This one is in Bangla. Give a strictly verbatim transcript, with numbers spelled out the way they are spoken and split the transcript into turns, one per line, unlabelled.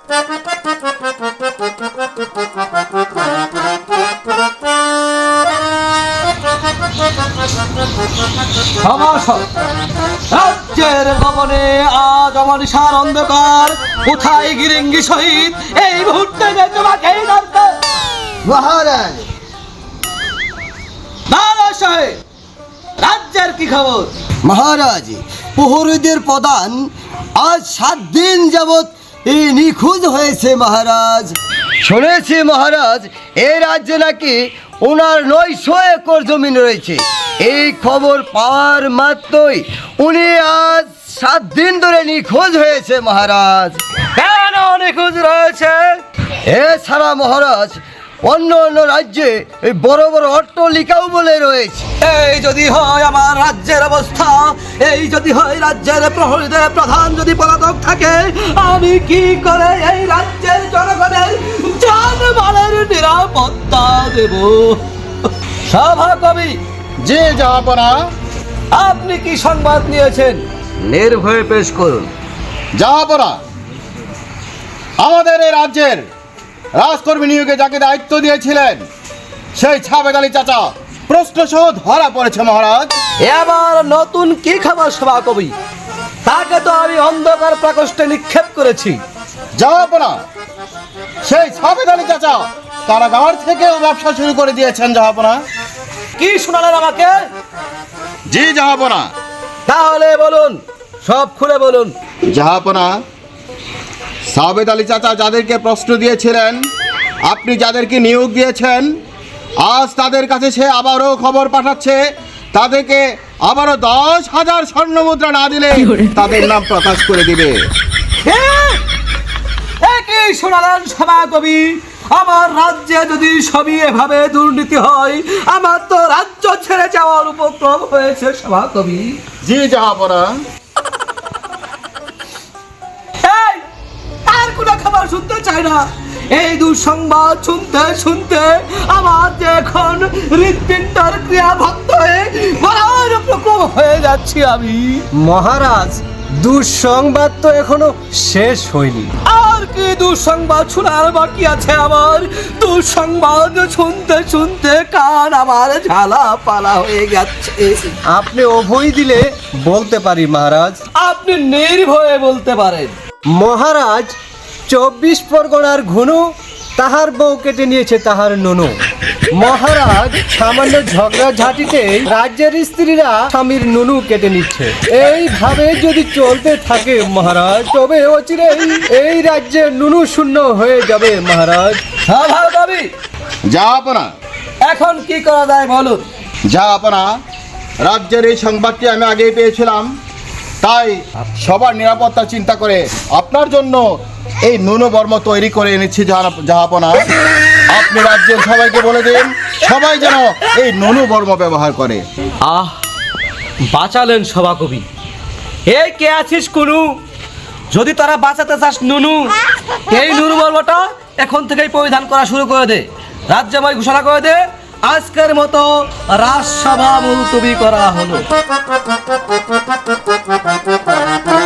রাজ্যের ভবনে আজ অমানিসার অন্ধকার, কোথায় গিরিঙ্গি শহীদ? এই মুহূর্তে যে তোমাকেই দরকার।
মহারাজ
দাদা সাহেব, রাজ্যের কি খবর?
মহারাজ, প্রহরীদের প্রধান আজ সাত দিন যাবৎ এই নিখোঁজ হয়েছে মহারাজ। শুনেছি মহারাজ, এই রাজ্যে নাকি ওনার নয়শো একর জমিন রয়েছে। এই খবর পাওয়ার মাত্রই উনি আজ সাত দিন ধরে নিখোঁজ হয়েছে মহারাজ।
কেন নিখোঁজ রয়েছে?
এছাড়া মহারাজ অন্য অন্য রাজ্যে এই বড় বড় অট্টালিকাও বলে রয়েছে।
এই যদি হয় আমার রাজ্যের অবস্থা, এই যদি হয় রাজ্যের প্রহরীদের প্রধান যদি পলাতক থাকে, আমি কি করে এই রাজ্যের জনগণের জানমালের নিরাপত্তা দেব? সভা কবি,
জি জাহাপনা।
আপনি কি সংবাদ নিয়েছেন? নির্ভয়ে পেশ করুন।
জাহাপনা, আমাদের এই রাজ্যের রাজকর্মী নিয়োগে যাকে দায়িত্ব দিয়েছিলেন সেই ছাবেদ আলী চাচা প্রশ্ন সহ ধরা পড়েছে মহারাজ।
এবার নতুন কি খবর সভা কবি? তাকে তো আমি অন্ধকার প্রকোষ্ঠে নিক্ষেপ করেছি।
জাহাপনা, সেই ছাবেদ আলী চাচা কারাগার থেকেও ব্যবসা শুরু করে দিয়েছেন জাহাপনা।
কি শোনালেন আমাকে?
জি জাহাপনা।
তাহলে বলুন, সব খুলে বলুন।
জাহাপনা, সাবেদ আলী চাচা যাদেরকে প্রশ্ন দিয়েছিলেন, আপনি যাদেরকে নিয়োগ দিয়েছেন, আজ তাদের কাছে সে আবারও খবর পাঠাচ্ছে তাদেরকে আবারও দশ হাজার স্বর্ণ মুদ্রা না দিলে তাদের নাম প্রকাশ করে দিবে।
কি শোনালেন সভা কবি? আমার রাজ্যে যদি সবই এভাবে দুর্নীতি হয়, আমার তো রাজ্য ছেড়ে যাওয়ার উপক্রম হয়েছে সভা কবি।
জি জাহাপনা।
এই, আর কোনো খবর শুনতে চাই না। এই দুঃসংবাদ শুনতে শুনতে আমার যে এখন হৃৎপিণ্ডের ক্রিয়া ভক্ত হয়ে মরার উপক্রম হয়ে যাচ্ছি আমি।
মহারাজ, দুঃসংবাদ তো এখনো শেষ হয়নি।
আর কি দুঃসংবাদ শোনার বাকি আছে আমার? দুঃসংবাদ শুনতে শুনতে কান আমার ঝালা পালা হয়ে যাচ্ছে।
আপনি অভয় দিলে বলতে পারি মহারাজ।
আপনি নির্ভয়ে বলতে পারেন।
মহারাজ, চব্বিশ পরগনার ঘুনু তাহার বউ কেটে নিয়েছে তাহার নুনু। মহারাজ, সামান্য ঝগড়া ঝাঁটিতে রাজ্যের স্ত্রীরা স্বামীর নুনু কেটে নিচ্ছে। এইভাবে যদি চলতে থাকে মহারাজ, তবে অচিরেই এই রাজ্যে নুনু শূন্য হয়ে যাবে মহারাজ।
সভা কবি,
জাহাপনা,
এখন কি করা যায় বলুন।
জাহাপনা, রাজ্যের এই সংবাদটি আমি আগেই পেয়েছিলাম, তাই সবার নিরাপত্তা চিন্তা করে আপনার জন্য এই ন্যূনবর্ম তৈরি করে এনেছি জাহাপনা। আপনি রাজ্যের সবাইকে বলে দিন সবাই যেন এই ন্যূনবর্ম ব্যবহার করে।
আহ, বাঁচালেন সভা কবি। এই কে আছিস কুনু? যদি তারা বাঁচাতে চাস নুনু, এই নুনু বর্মটা এখন থেকেই পরিধান করা শুরু করে দে। রাজ্যময় ঘোষণা করে দে, আজকের মতো রাজসভা মুলতবি করা হলো।